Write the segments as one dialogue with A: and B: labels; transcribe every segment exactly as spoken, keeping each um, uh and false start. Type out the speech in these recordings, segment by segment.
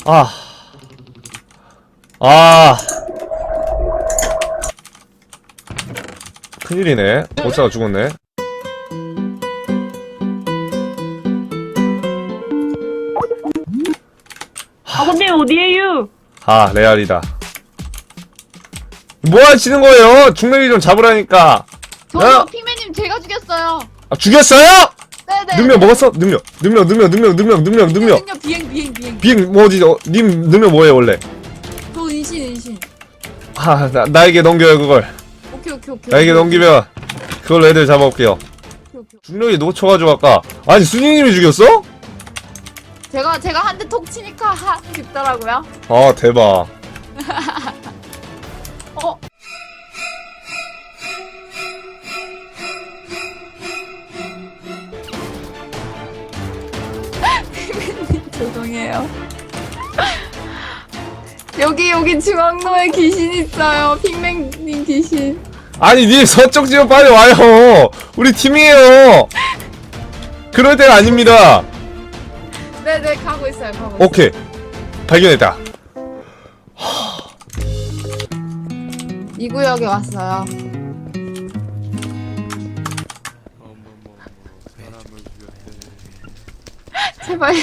A: 아. 아. 큰일이네. 보스가 죽었네.
B: 아버님 어디에요?
A: 아, 레알이다. 뭐 하시는 거예요? 중력이 좀 잡으라니까.
C: 저요,
A: 야!
C: 핑맨님 제가 죽였어요.
A: 아, 죽였어요?
C: 네네.
A: 능력 먹었어? 능력. 능력, 능력, 능력, 능력, 능력, 능력.
C: 능력 비행 비행 비행.
A: 비행, 뭐지, 어, 님 능력 뭐예요, 원래?
C: 저 은신 은신.
A: 아, 나, 나에게 넘겨요, 그걸.
C: 오케이 오케이 오케이.
A: 나에게
C: 오케이,
A: 넘기면, 그걸로 애들 잡아올게요.
C: 오케이, 오케이.
A: 중력이 놓쳐가지고 아까. 아니, 순이님이 죽였어?
C: 제가 제가 한 대 톡 치니까 하 죽더라고요.
A: 아, 대박.
C: 어. 핑맨님 죄송해요. 여기 여기 중앙로에 귀신 있어요. 핑맨님 귀신.
A: 아니, 님 서쪽 지역 빨리 와요. 우리 팀이에요. 그럴 때가 아닙니다.
C: 네네 가고 있어요. 가고 있어요.
A: 오케이. 발견했다.
C: 이 구역에 왔어요. 제발요.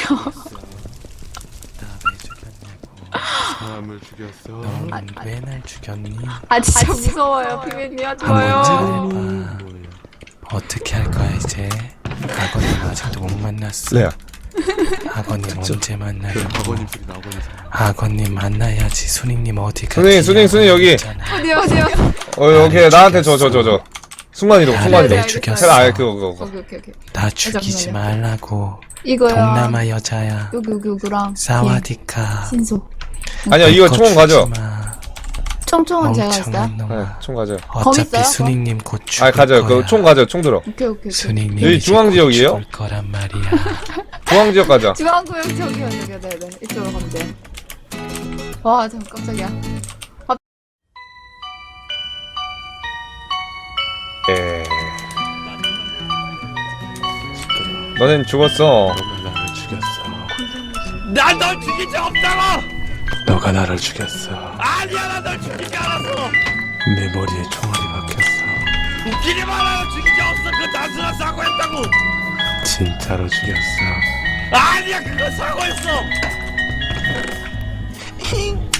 D: 사람을 죽였어.
E: 너는 왜 날 죽였니?
C: 아 진짜 무서워요. 핑맨님 하지
E: 한번
C: 마요.
E: 잘해봐. 어떻게 할 거야 이제? 아버님 아직도 못 만났어.
A: 레아.
E: 아버님 언제 만나요?
D: 아버님 소리 나 아버님 소리.
E: 아버님 만나야지. 순이님 어디 갔지?
A: 순이, 순이, 순이 여기.
C: 어디요 어디요?
A: 어, 여기 나한테 저, 저, 저, 저. 순간이동,
E: 나를
A: 순간이동.
E: 왜
C: 알겠어요.
E: 죽였어?
A: 제가 아예 그거, 그거, 그거.
C: 오케이 오케이 오케이.
E: 나 죽이지
C: 잠깐만요.
E: 말라고.
C: 이거요.
E: 동남아 여자야.
C: 여기 여기 여기랑.
E: 사와디카.
C: 신소.
A: 아니야, 이거
E: 그거
A: 총 가져.
E: 주지 마.
C: 총총은 제가 했어요.
E: 멍청한
A: 네,
E: 놈아.
A: 총 가져.
E: 어차피
C: 있어요?
E: 순이님 곧 죽을
A: 아, 가져.
E: 거야.
A: 그 총 가져. 총 들어.
C: 오케이 오케이 오케이.
E: 순이님
A: 여기
E: 이제
A: 중앙
E: 곧
A: 지역이에요?
E: 죽을 거란 말이야.
A: 중앙 지역 가자.
C: 중앙구역 저기요 저기요 네네 이쪽으로 가면 돼요. 와 잠깐 깜짝이야.
A: 예. 너넨 죽었어.
D: 너가 나를 죽였어.
F: 난 널 죽인 적 없다고!
D: 너가 나를 죽였어.
F: 아니야, 난 널 죽이지 않았어!
D: 내 머리에 총알이 박혔어.
F: 웃기지 마라, 죽인 적 없어! 그 단순한 사고였다고!
D: 진짜로 죽였어.
F: 아니야, 그건 사고였어!